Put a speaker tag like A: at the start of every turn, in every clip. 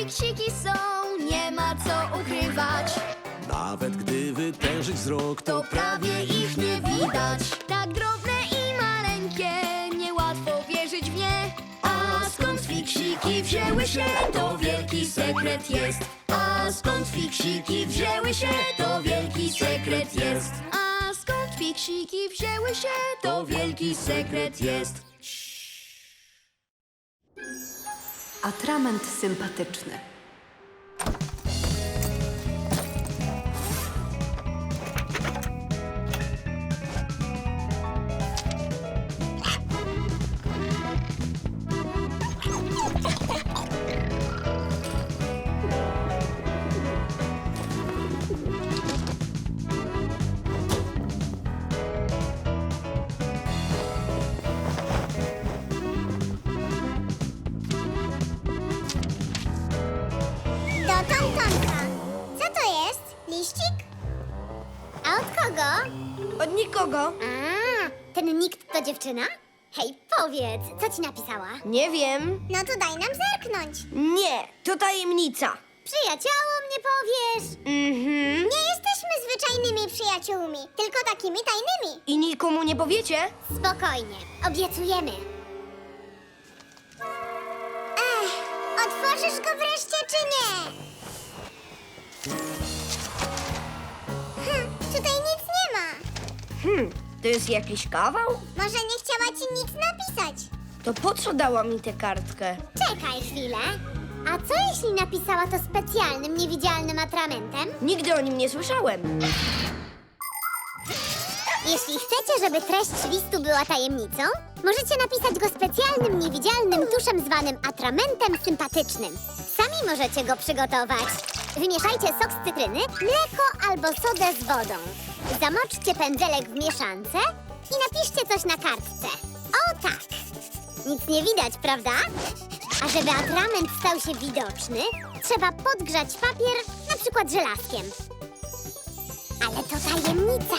A: fiksiki są, nie ma co ukrywać.
B: Nawet gdy wytężyć wzrok,
A: To prawie ich nie widać. Tak drobne i maleńkie, niełatwo wierzyć w nie. A skąd fiksiki wzięły się, to wielki sekret jest. A skąd fiksiki wzięły się, to wielki sekret jest. A skąd fiksiki wzięły się, to wielki sekret jest.
C: Atrament sympatyczny.
D: Do Tomtomka. Co to jest? Liścik? A od kogo?
A: Od nikogo?
D: Ten nikt to dziewczyna? Hej, powiedz, co ci napisała?
A: Nie wiem.
D: No to daj nam zerknąć.
A: Nie, to tajemnica.
D: Przyjaciołom nie powiesz. Nie jesteśmy zwyczajnymi przyjaciółmi, tylko takimi tajnymi.
A: I nikomu nie powiecie?
D: Spokojnie, obiecujemy. Otworzysz go wreszcie, czy nie? Tutaj nic nie ma.
A: To jest jakiś kawał?
D: Może nie chciała ci nic napisać?
A: To po co dała mi tę kartkę?
D: Czekaj chwilę. A co jeśli napisała to specjalnym, niewidzialnym atramentem?
A: Nigdy o nim nie słyszałem.
D: Jeśli chcecie, żeby treść listu była tajemnicą, możecie napisać go specjalnym, niewidzialnym tuszem zwanym atramentem sympatycznym. Sami możecie go przygotować. Wymieszajcie sok z cytryny, mleko albo sodę z wodą. Zamoczcie pędzelek w mieszance i napiszcie coś na kartce. O tak! Nic nie widać, prawda? A żeby atrament stał się widoczny, trzeba podgrzać papier, na przykład żelazkiem. Ale to tajemnica!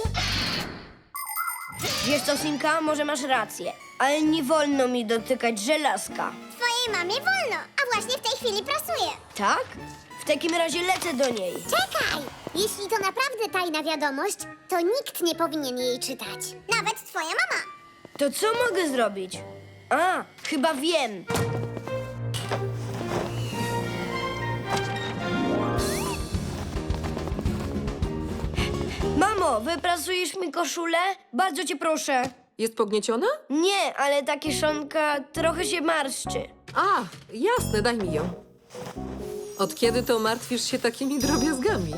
A: Wiesz co, Simka, może masz rację, ale nie wolno mi dotykać żelazka.
D: Twojej mamie wolno, a właśnie w tej chwili prasuje.
A: Tak? W takim razie lecę do niej.
D: Czekaj! Jeśli to naprawdę tajna wiadomość, to nikt nie powinien jej czytać. Nawet twoja mama.
A: To co mogę zrobić? A, chyba wiem. Mamo, wyprasujesz mi koszulę? Bardzo cię proszę.
C: Jest pognieciona?
A: Nie, ale ta kieszonka trochę się marszczy.
C: A, jasne, daj mi ją. Od kiedy to martwisz się takimi drobiazgami?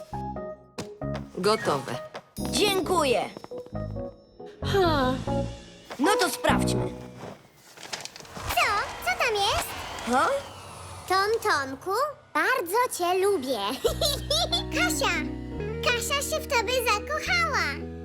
C: Gotowe.
A: Dziękuję.
C: Ha,
A: No to sprawdźmy.
D: Co? Co tam jest?
A: Ha?
D: Tomku, bardzo cię lubię. Kasia! Kasia się w tobie zakochała.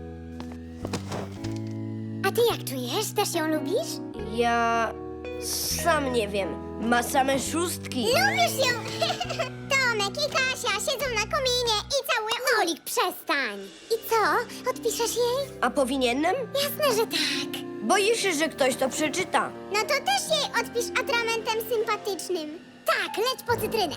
D: A ty jak czujesz? Też ją lubisz?
A: Ja sam nie wiem. Ma same szóstki.
D: Lubisz ją! Tomek i Kasia siedzą na kominie i całują... Olik, przestań! I co? Odpiszesz jej?
A: A powinienem?
D: Jasne, że tak.
A: Boję się, że ktoś to przeczyta.
D: No to też jej odpisz atramentem sympatycznym. Tak, leć po cytrynę.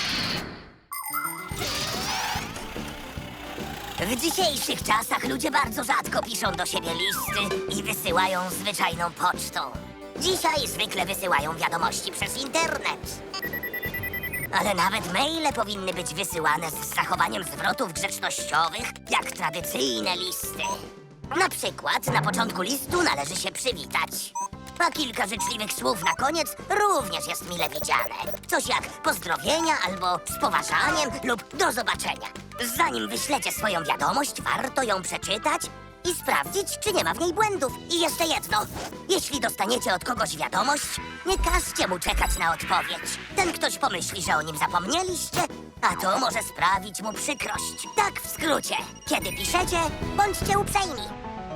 E: W dzisiejszych czasach ludzie bardzo rzadko piszą do siebie listy i wysyłają zwyczajną pocztą. Dzisiaj zwykle wysyłają wiadomości przez internet. Ale nawet maile powinny być wysyłane z zachowaniem zwrotów grzecznościowych, jak tradycyjne listy. Na przykład na początku listu należy się przywitać. A kilka życzliwych słów na koniec również jest mile widziane. Coś jak pozdrowienia albo z poważaniem lub do zobaczenia. Zanim wyślecie swoją wiadomość, warto ją przeczytać i sprawdzić, czy nie ma w niej błędów. I jeszcze jedno. Jeśli dostaniecie od kogoś wiadomość, nie każcie mu czekać na odpowiedź. Ten ktoś pomyśli, że o nim zapomnieliście, a to może sprawić mu przykrość. Tak w skrócie. Kiedy piszecie, bądźcie uprzejmi.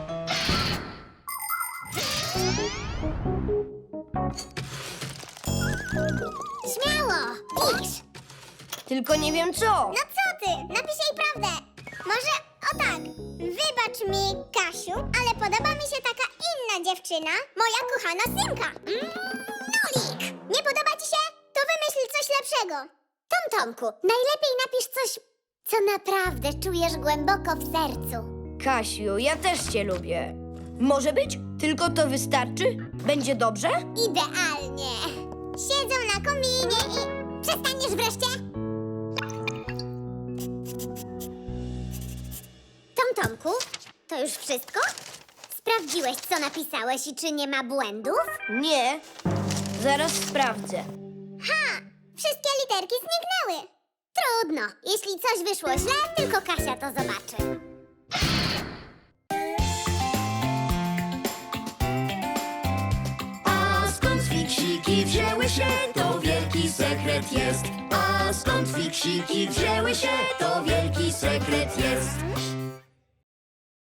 D: Śmiało, pisz.
A: Tylko nie wiem co.
D: No co ty? Napisz jej prawdę. Może o tak. Wybacz mi, Kasiu, ale podoba mi się taka inna dziewczyna, moja kochana Simka. Nolik! Nie podoba ci się? To to wymyśl coś lepszego. Tomku, najlepiej napisz coś, co naprawdę czujesz głęboko w sercu.
A: Kasiu, ja też cię lubię. Może być? Tylko to wystarczy? Będzie dobrze?
D: Idealnie. Siedzą na kominie i... Przestaniesz wreszcie? Tomku, to już wszystko? Sprawdziłeś, co napisałeś i czy nie ma błędów?
A: Nie. Zaraz sprawdzę.
D: Ha! Wszystkie literki zniknęły. Trudno. Jeśli coś wyszło źle, tylko Kasia to zobaczy.
B: A skąd fiksiki wzięły się, to wielki sekret jest. A skąd fiksiki wzięły się, to wielki sekret jest.